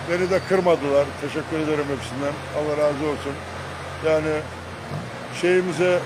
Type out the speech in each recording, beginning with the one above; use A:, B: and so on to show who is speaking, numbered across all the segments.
A: Beni de kırmadılar. Teşekkür ederim hepsinden. Allah razı olsun. Yani şeyimize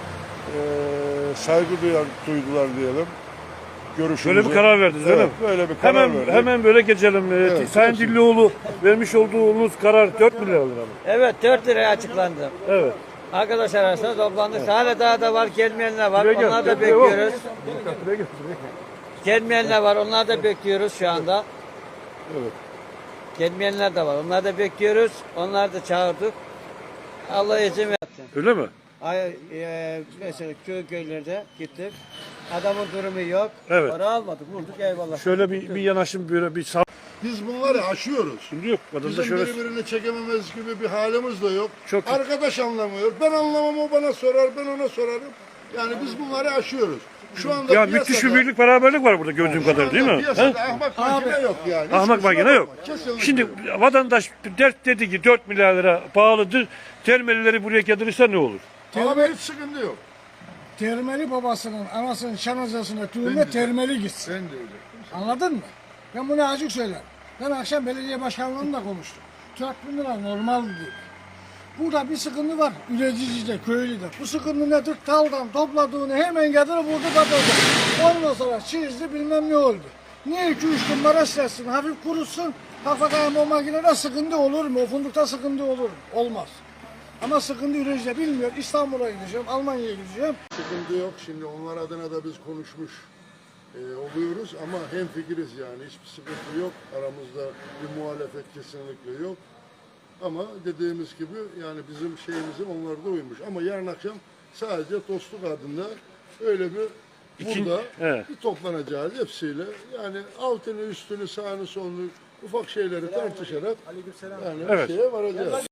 A: saygı duydular diyelim. Görüşümüze.
B: Böyle bir karar verdiniz değil mi?
A: Böyle bir karar verdik.
B: Hemen böyle geçelim.
A: Evet,
B: Sayın Dillioğlu vermiş olduğunuz karar 4 milyar lira mı?
C: Evet 4 liraya açıklandı.
B: Evet.
C: Arkadaşlar arasında toplandık. Hala daha da var, gelmeyenler var.
B: Buraya gel,
C: Onlar da
B: buraya gel.
C: bekliyoruz. Gelmeyenler var. Onlar da bekliyoruz şu anda.
A: Evet.
C: Gelmeyenler de var. Onlar da bekliyoruz. Onları da çağırdık. Allah izin versin.
B: Öyle mi?
C: Mesela köylerde gittik. Adamın durumu yok.
B: Evet.
C: Para almadık. Vurduk eyvallah.
B: Şöyle bir yanaşım böyle bir sağ.
A: Biz bunları aşıyoruz.
B: Şimdi yok. Vatandaş
A: Bizim
B: şöyle.
A: birbirini çekememez gibi bir halimiz de yok.
B: Çok-
A: Arkadaş anlamıyor. Ben anlamam, o bana sorar, ben ona sorarım. Yani biz bunları aşıyoruz. Şu anda
B: Ya müthiş bir birlik beraberlik var burada gördüğüm kadarıyla değil mi?
A: Piyasada
B: He?
A: ahmak makine yok yani.
B: Ahmak
A: Hiç kusura
B: makine yok.
A: bakma, kesinlikle.
B: Şimdi vatandaş dert dedi ki 4 milyar lira pahalıdır. Termelileri buraya getirirse ne olur?
A: Abi hiç sıkıntı yok.
D: Termeli babasının, anasının şanazasına tüyme termeli gitsin.
A: Ben de öyle.
D: Anladın mı? Ben bunu açık söylerim. Ben akşam belediye başkanlığıyla konuştum. 4.000 lira normal dedi. Burada bir sıkıntı var üreticide, köylüde. Bu sıkıntı nedir? Taldan topladığını hemen getirip burada kapatacak. Ondan sonra çizdi bilmem ne oldu. Niye 2-3 gün maraş etsin, hafif kurutsun. Hakikaten o makinede sıkıntı olur mu? O fundukta sıkıntı olur mu? Olmaz. Ama sıkıntı üreticide bilmiyor. İstanbul'a gideceğim, Almanya'ya gideceğim.
A: Sıkıntı yok. Şimdi onlar adına da biz konuşmuş oluyoruz ama hemfikiriz yani. Hiçbir sıkıntı yok. Aramızda bir muhalefet kesinlikle yok. Ama dediğimiz gibi yani bizim şeyimize onlar da uymuş. Ama yarın akşam sadece dostluk adında öyle bir burada
B: evet.
A: bir toplanacağız hepsiyle. Yani altını üstünü sağını solunu ufak şeyleri tartışarak yani bir
B: Evet.
A: şeye varacağız.